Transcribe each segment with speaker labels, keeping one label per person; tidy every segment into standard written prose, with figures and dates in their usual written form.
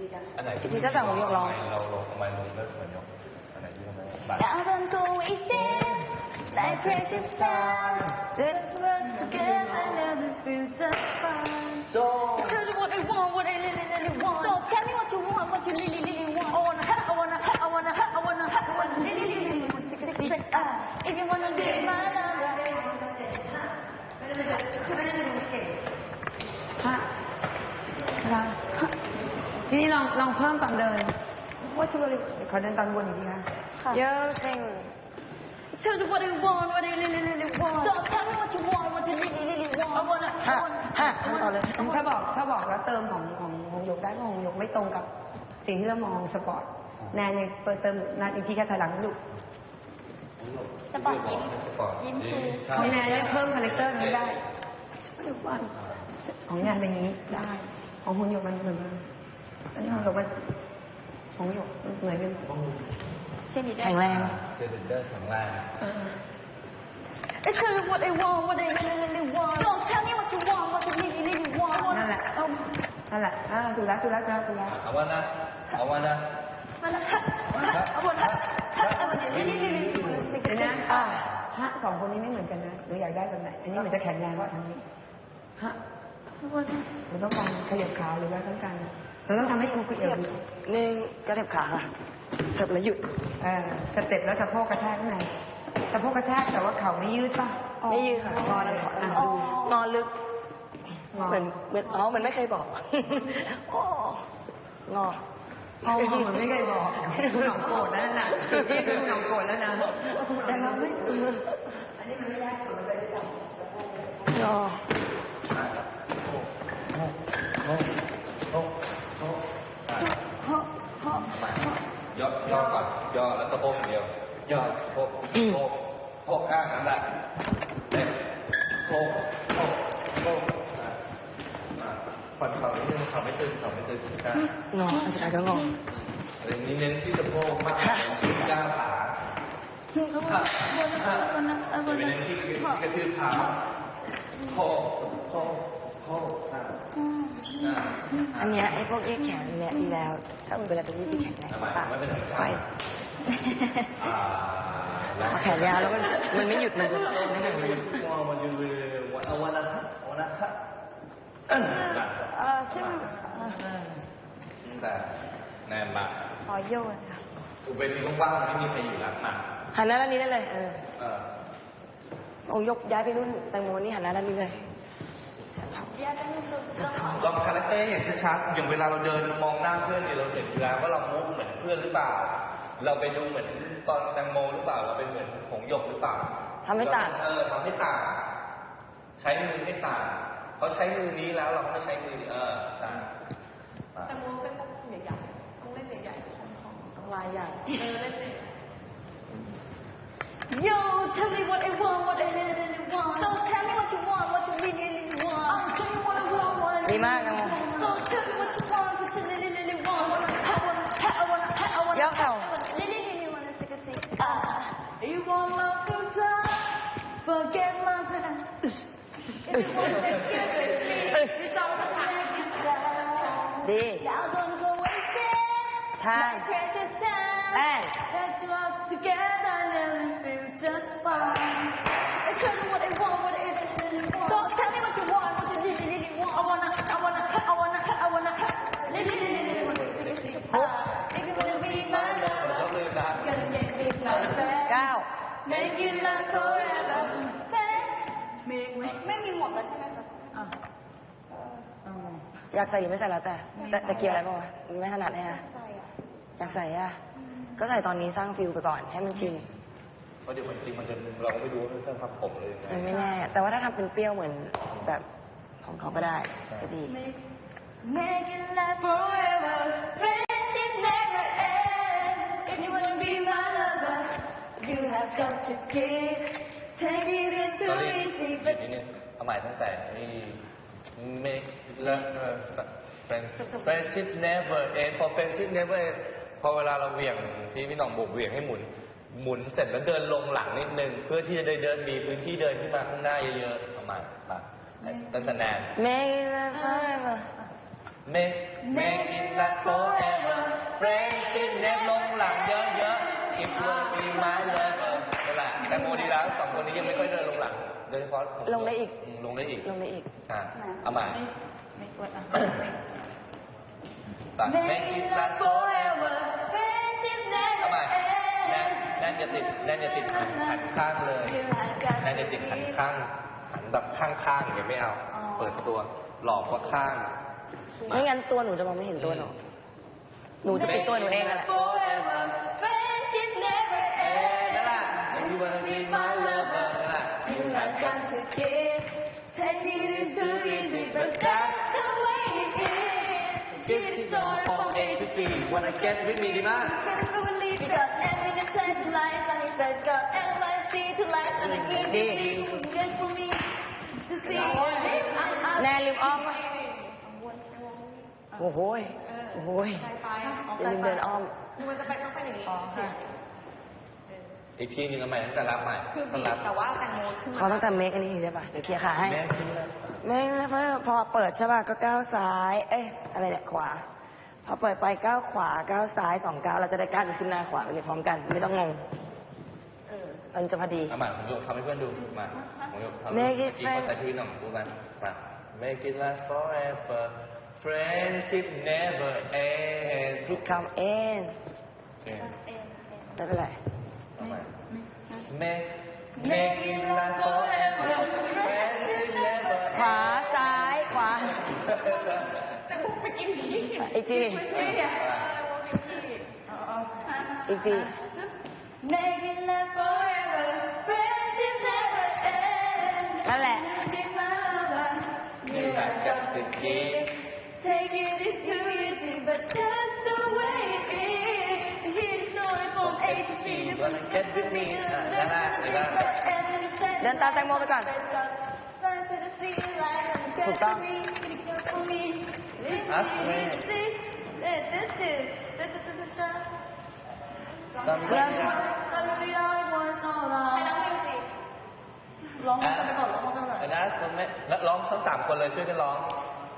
Speaker 1: อันไหน
Speaker 2: ที่ก็แต่หงยกร้อง
Speaker 1: เราลงทำไมลงเลิกเหมือนยกอันไหนที่ทำไมบัตร
Speaker 3: Now I'm going down like crazy sound. Let's work together, never feel just fine.
Speaker 1: So
Speaker 3: Tell you what I want, what I really want. So tell me what you want, what you really want. I wanna, I wanna, I wanna, I wanna, I wanna, really want six. If you wanna be my lover.
Speaker 2: ฮะทีนี้ลองเพิ่มตอนเดินว่าชุบเลยขอเดินตอนบนอีกทีค่ะเยอะเก่ง
Speaker 3: Tell you what I want, what I really want. So tell me what you want, what you really want. I wanna, I wanna,
Speaker 2: ต่อเลยถ้าบอกแล้วเติมของหยกได้ของหยกไม่ตรงกับสิ่งที่เรามองสปอร์ตแนนยังเติมนัดอีกทีแค่ถอยหลังลูก
Speaker 3: สปอร์ตยิ้มชู
Speaker 2: ของแนนได้เพิ่มคาแรคเตอร์นี้ได้ของแนนเป็นอย่างนี้ได้ของคุณหยกมันเหมือนอันนี้ของหยกมันของหยกเหมือนกันแข็งแรง
Speaker 1: เจอเจอแข็งแรง
Speaker 3: I tell you what I want, what I really want. Don't tell me what you want, what you really want.
Speaker 2: นั่นแหละถูกแล้ว
Speaker 1: เอาว่านะเอาว่านะ
Speaker 3: I wanna, I wanna, really want six.
Speaker 2: เดี๋ยวนะฮะสองคนนี้ไม่เหมือนกันนะหรืออยากได้แบบไหนอันนี้มันจะแข็งแรงกว่าทางนี้ฮะเราต้องการขยับขาหรือว่าต้องการเราต้องทำให้กูเอียงนี่กระเถิบขาค่ะเถิบแล้วหยุดสเต็ปแล้วสะโพกกระแทกข้างในสะโพกกระแทกแต่ว่าเข่าไม่ยืดป่ะไม่ยืดค่ะงอเลยนอนลึกเหมือนมันไม่เคยบอกงอเหมือนไม่เคยบอกคุณหนองโกรธแล้วนะนี่คือคุณหนองโกรธแล้วนะแต่เราไม่อันนี้มันไม่ได้มันไปด้วยกันง
Speaker 1: อย่อก่อนย่อแล้วสะโพกเดียวย่อสะโพกโพกข้างนั่นแหละโพกผ่อนเข่านิดนึงเข่าไม่ตึงได้
Speaker 2: งอสุดท้ายก็งอ
Speaker 1: อะไรนี้เน้นที่สะโพกมากที่ย่าขาจะเป็นเน้นที่กระทืบเท้าโพก
Speaker 2: อันนี้ไอ้พวกยืดแขนเนี่ยดีแล้วถ้ามันเวลาจะยืดแขนแรงปากไปแขนยาวแล้วมันไม่หยุดมันจะไม่หยุด
Speaker 1: มันจะวันนะ
Speaker 3: ซึ่ง
Speaker 1: แต่แนนมา
Speaker 3: ขอโยนค่ะ
Speaker 1: อุเบกว่างๆไม่มีใครอยู่หลังมา
Speaker 2: หันหน้าด้านนี้ได้เลยองยกย้ายไปนู่นแตงโมนี่หันหน้าด้านนี้เลย
Speaker 1: ลองคาแรคเตอร์อย่างชัดๆอย่างเวลาเราเดินมองหน้าเพื่อนเนี่ยเราเห็นอยู่แล้วว่าเรามุกเหมือนเพื่อนหรือเปล่าเราไปดูเหมือนตอนแตงโมหรือเปล่าเราเป็นเหมือนผงหยกหรือเปล่า
Speaker 2: ทำให้ต่าง
Speaker 1: ทำให้ต่างใช้มือให้ต่างเขาใช้มือนี้แล้วเราไม่ใช้มือต่าง
Speaker 3: แตงโมเป็นพวกใหญ่ๆต้องเล่นใหญ่ๆลายใหญ่เล่นYo, tell me what I want, what I really want. So tell me what you want, what you really want. Tell me what I want, what I really want. So tell me what you want, what you really want. I wanna.
Speaker 2: ย่อเข่า
Speaker 3: Really wanna six. You want love to die, forget my time. If you wanna get it, it's all the time.
Speaker 2: ดี
Speaker 3: Now don't go wasting my precious time. Let's walk together and feel just fine. I tell you what I want, what I really want. So tell me what you want, what you really want. I wanna. Really want six. If you wanna be my lover, gonna make me my friend.
Speaker 2: 9
Speaker 3: Make you last forever.ไม่มีหมดแล้วใช่ไหมคะ
Speaker 2: อยากใส่หรือไม่ใส่แล้วแต่เกี่ยวอะไรบ้างวะไม่ถนัดเลยฮะอยากใส่ก็ใส่ตอนนี้สร้างฟิลไปก่อนให้มันชิน
Speaker 1: เพราะเดี๋ยวจริงมันจะเราไม่รู้ว่าจะทำผมเลย
Speaker 2: มันไม่แน่แต่ว่าถ้าทำเป็นเปรี้ยวเหมือนแบบของเขาก็ได้ก็ดี
Speaker 3: Make it last forever. Friendship never ends. If you wanna be my lover, you have got to give. Take it is too easy, but
Speaker 1: เอาใหม่ตั้งแต่นี่ make love friendship never end for friendship never end พอเวลาเราเหวี่ยงที่พี่หน่องบอกเหวี่ยงให้หมุนเสร็จแล้วเดินลงหลังนิดนึงเพื่อที่จะเดินมีพื้นที่เดินขึ้นมาข้างหน้าเยอะๆประมาณตั้งแต่แนน
Speaker 2: Make it last forever
Speaker 1: make it last forever friendship never ลงหลังเยอะๆ if you be my lover นั่นแหละแต่โมดีแล้วสองคนนี้ยังไม่ค่อยเดินลงหลังโดยเฉพาะลงได้อีกเอาใหม่
Speaker 3: ไม่กดอ่ะ
Speaker 1: make it last forever เอาใหม่แน่นอย่าติดหันข้างเลยแน่นอย่าติดหันข้างหันแบบข้างอย่างไม่เอาเปิดตัวหลอกว่าข้าง
Speaker 2: ไม่งั้นตัวหนูจะมองไม่เห็นตัวหนูจะปิดตัวหนูเองแหละ
Speaker 1: นั่นแหละ You wanna be my lover นั่นแหละ You have got to give Taking it too easy but that's the way it is Give it all from A to Z Wanna get with me ดีมาก
Speaker 3: Because everything is life and he said got NYC to life and the easy get for me to see
Speaker 2: แน่ลืมอ้อมโอ้โหอย่าลืมเดินอ้อม
Speaker 3: มันจะไปต้องไปอย่างนี้ใช่
Speaker 1: อีกทีนึงเอาใหม่ตั้งแต่รับใหม่
Speaker 3: คือบีแต่ว่าแตงโมขึ้นมา
Speaker 2: เขาต้องทำเมคอันนี้ได้ป่ะเดี๋ยวเคลียร์ขาให้เมคพอเปิดใช่ป่ะก็ก้าวซ้ายอะไรเนี่ยขวาพอเปิดไปก้าวขวาก้าวซ้าย2 ก้าวเราจะได้ก้าวขึ้นหน้าขวาไปเลยพร้อมกันไม่ต้องงงมันจะพอดี
Speaker 1: เอาใหม่ผมยกทำให้เพื่อนดูมาผมยกทำเมื่อกี้คนแต่ที่หน่องพูดมาMake it last forever friendship never ends
Speaker 2: พิดคำไม่เป็นไร
Speaker 1: Make it last forever friendship never
Speaker 2: ขวาซ้ายขวาอีกที
Speaker 3: Make it last forever friendship never ends
Speaker 2: นั่นแหละ
Speaker 1: You have got to give
Speaker 3: Taking it too easy but that's the way it is Here's story from A to Z
Speaker 1: You wanna get with me นั่นแหละ
Speaker 2: เดินตามแตงโมไปก่อนถูกต้อง
Speaker 3: ร้องกันไปก่อนร้องกันไปก่อน
Speaker 1: นะส่วนแม่ร้องทั้ง3 คนเลยช่วยกันร้อง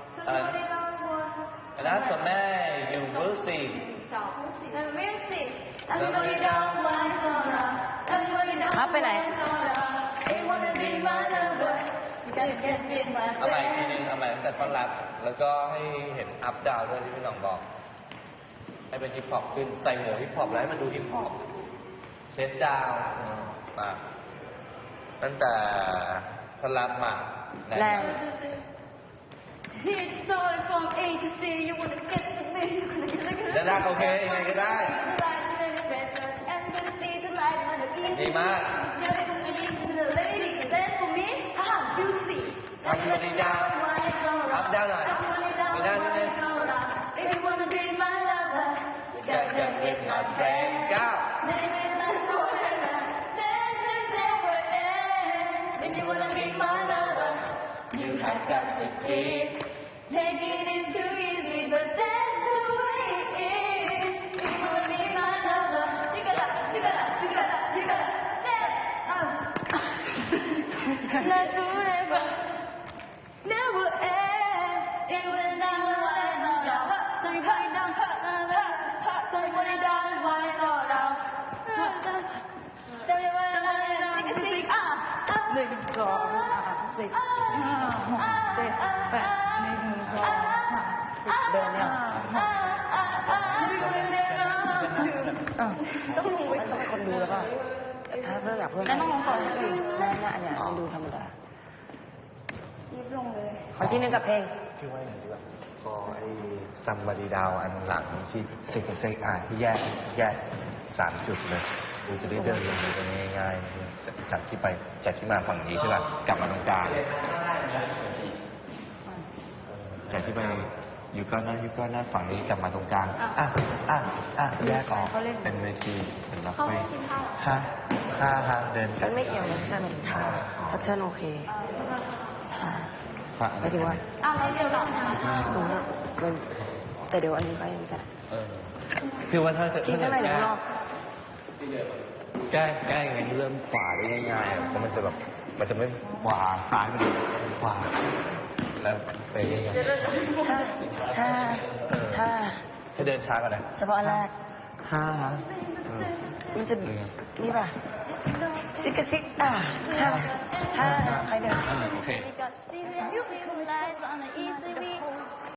Speaker 1: นะส่วนแม่ You will see
Speaker 2: อัพไปไหน
Speaker 1: เอาใหม่ทีนึงเอาใหม่ตั้งแต่ท่อนรับแล้วก็ให้เห็นอัพดาวด้วยที่พี่น้องบอกให้เป็นฮิปฮอปขึ้นใส่หมวกฮิปฮอปแล้วให้มันดูฮิปฮอปเชสดาวมาตั้งแต่ท่อนรับมา
Speaker 2: แรง
Speaker 3: Here's story from A to Z you wanna get to me
Speaker 1: แล้วลากโอเคยังไงก็ได้ดีมากทำตัวนี้ดาวอัพดาวหน่อยไม่ได้ไม่ได้จะเป็นมาแฟนก้าวYou have got to keep
Speaker 3: Taking it too easy, but that's the way it is. You wanna be my lover? You gotta step up. Not forever, never end. It will never end. Sorry, put it down. Sorry, put it down. Why not down? Tell me why I'm not sing.
Speaker 2: 1 2 3 4 5 6 7 8 1 2 3 4 5 6 7 8 เดินเนี่ยต้องรู้ไว้ต้องคนดูแล้วก็ถ้าเพื่ออยากเพิ่มต้องลองก่อนแน่ๆเนี่ยมันดูธรรมดายิบลงเลยขอที่นึงกับเพลง
Speaker 1: พี่ว่าอย่างนี้ดีกว่าพอไอ้ซัมบารีดาวอันหลังที่เซกที่แยก3 จุดเลยดูจะได้เดินลงไปง่ายๆจากที่มาฝั่งนี้ใช่ป่ะกลับมาตรงกลางจากที่ไปอยู่ก้อนหน้าฝั่งนี้กลับมาตรงกลางแยกออกเป็นเวทีเป็นล็อกไปห้าเดิน
Speaker 2: มันไม่เกี่ยวนะใช่ไหมพัฒน์โอเคไม่ถึงว่า
Speaker 3: แล้วเดี๋ยวเรา
Speaker 2: สูงอ่ะแต่เดี๋ยวอันนี้ไปยังไง
Speaker 1: คือว่าถ้าจะ
Speaker 2: ที่ข้างในเดี๋ยวรอบ
Speaker 1: ใกล้ไงเริ่มขวาได้ง่ายๆเพราะมันจะแบบมันจะไม่ขวาซ้ายมันขวาแล้วไปยังไง
Speaker 2: ถ้า
Speaker 1: ให้เดินช้ากันนะ
Speaker 2: เฉพาะอันแรก มันจะ
Speaker 1: ยังไง
Speaker 2: นี่ป่ะซิกกะซิกถ้าใครเดิน
Speaker 1: โอเค
Speaker 3: You can lies on the easy